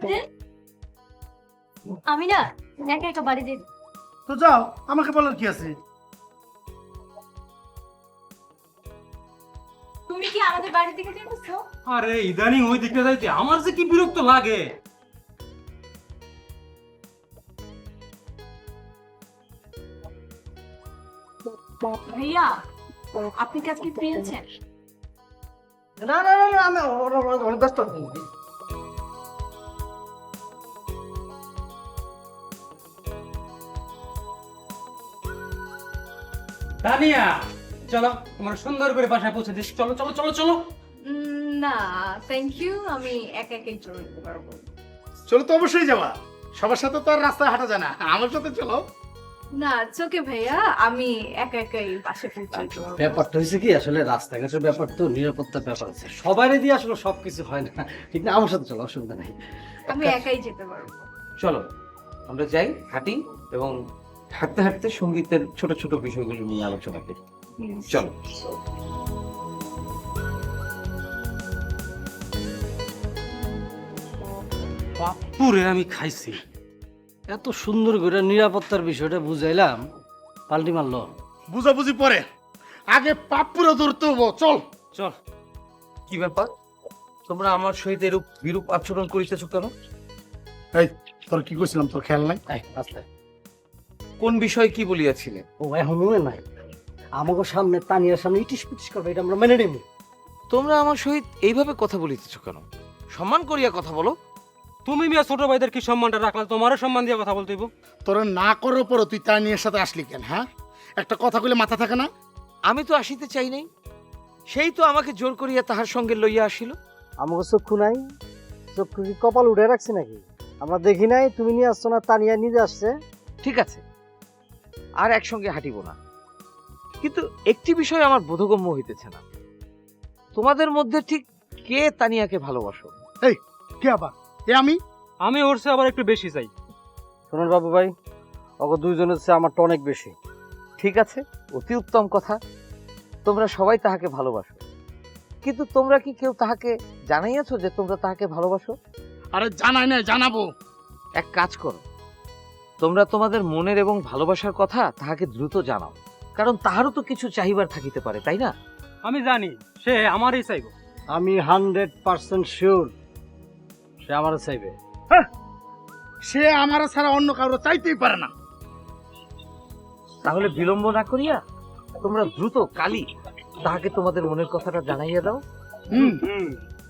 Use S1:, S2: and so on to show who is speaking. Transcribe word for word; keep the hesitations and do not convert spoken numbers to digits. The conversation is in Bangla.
S1: আমি না একা একা বাড়ি যাই।
S2: তো যাও, আমাকে বলার কি আছে?
S1: তুমি কি আমাদের বাড়ি থেকে যেতেছো?
S3: আরে ইদানিং ওই দিকটা যাইতে আমার যে কি বিরক্ত লাগে।
S1: ভাইয়া আপনি কি আজকে ফ্রি আছেন?
S2: না না না না, আমি অনেক ব্যস্ত।
S3: তানিয়া চলো তোমার সুন্দর করে বাসায় পৌঁছে দিচ্ছি, চলো চলো চলো চলো।
S1: উম, না থ্যাংক ইউ, আমি একা একাই চলে যেতে পারবো।
S2: চলো তো অবশ্যই যাওয়া, সবার সাথে তো আর রাস্তায় হাঁটা যায় না, আমার সাথে চলো।
S1: না চোখে ভাইয়া, আমি একা একাই বাসে পৌঁছে যেতে পারবো।
S4: ব্যাপারটা হয়েছে কি, আসলে রাস্তাঘাটের ব্যাপার তো, নিরাপত্তার ব্যাপার আছে, সবারই দিয়ে আসলে সবকিছু হয় না, ঠিক না? আমার সাথে চলো, অসুবিধা নেই।
S1: আমি একাই যেতে পারবো।
S5: চলো আমরা যাই, হাঁটি এবং হাঁটতে হাঁটতে সঙ্গীতের ছোট ছোট বিষয়গুলো নিয়ে আলোচনা করি। চলো।
S3: বাপুরে আমি খাইছি।
S4: এত সুন্দর করে নিরাপত্তার বিষয়টা বুঝাইলাম, পাল্টি মারলো।
S2: বুঝাবুঝি পরে, আগে পাপ পুরো ধরতে হবো, চল।
S3: চল।
S5: কি ব্যাপার, তোমরা আমার সহিত এরূপ বিরূপ আচরণ করিতেছ কেন?
S2: এই তোর কি কইছিলাম, তোর খেয়াল নাই?
S4: এই, আস্তে।
S5: কোন বিষয়ে কি বলিয়াছিলে?
S4: ও এখন মনে নাই, আমাকে সামনে তানিয়ার সামনে ইটিস পিটিস করবে, এটা আমরা মেনে নেব।
S5: তোমরা আমার সহিত এইভাবে কথা বলিতেছ কেন? সম্মান করিয়া কথা বলো।
S3: তুমি মিয়া ছোট ভাইদের কি সম্মানটা রাখলা, তোমারও সম্মান দিয়ে কথা বলতে হইব।
S2: তোর না করার পরও তুই তার নিয়ে সাথে আসলি কেন? হ্যাঁ, একটা কথা কইলে মাথা থাকে না?
S5: আমি তো আসিতে চাই নাই, সেই তো আমাকে জোর করিয়া তাহার সঙ্গে লইয়া আসিল।
S4: আমাকে চক্ষু নাই, চক্ষু কি কপাল উঠে রাখছে নাকি? আমরা দেখি নাই, তুমি নিয়ে আসছো না, তানিয়া নিজে আসছে।
S5: ঠিক আছে, আর একসঙ্গে হাঁটিব না, কিন্তু একটি বিষয় আমার বোধগম্য হইতেছে না। তোমাদের মধ্যে ঠিক কে তানিয়াকে ভালোবাসো?
S2: এই কে আবার? এ আমি?
S3: আমি ওর চেয়ে আবার একটু বেশি চাই।
S4: শোনেন বাবু ভাই, ওকে দুইজনের চেয়ে আমারটা অনেক বেশি।
S5: ঠিক আছে, অতি উত্তম কথা, তোমরা সবাই তাহাকে ভালোবাসো, কিন্তু তোমরা কি কেউ তাহাকে জানাইয়াছো যে তোমরা তাহাকে ভালোবাসো?
S2: আরে জানাই না, জানাবো।
S5: এক কাজ করো, তোমরা তোমাদের মনের এবং ভালোবাসার কথা তাহাকে দ্রুত জানাও, কারণ তাহারও তো কিছু চাহিবার থাকিতে পারে, তাই না?
S3: আমি জানি সে আমারই চাইব।
S4: আমি হান্ড্রেড পার্সেন্ট শিওর সে আমার চাইবে।
S2: সে আমার ছাড়া অন্য কারো চাইতেই পারে না।
S5: তাহলে বিলম্ব না করিয়া তোমরা দ্রুত কালই তাহাকে তোমাদের মনের কথাটা জানাইয়া দাও।
S2: হুম,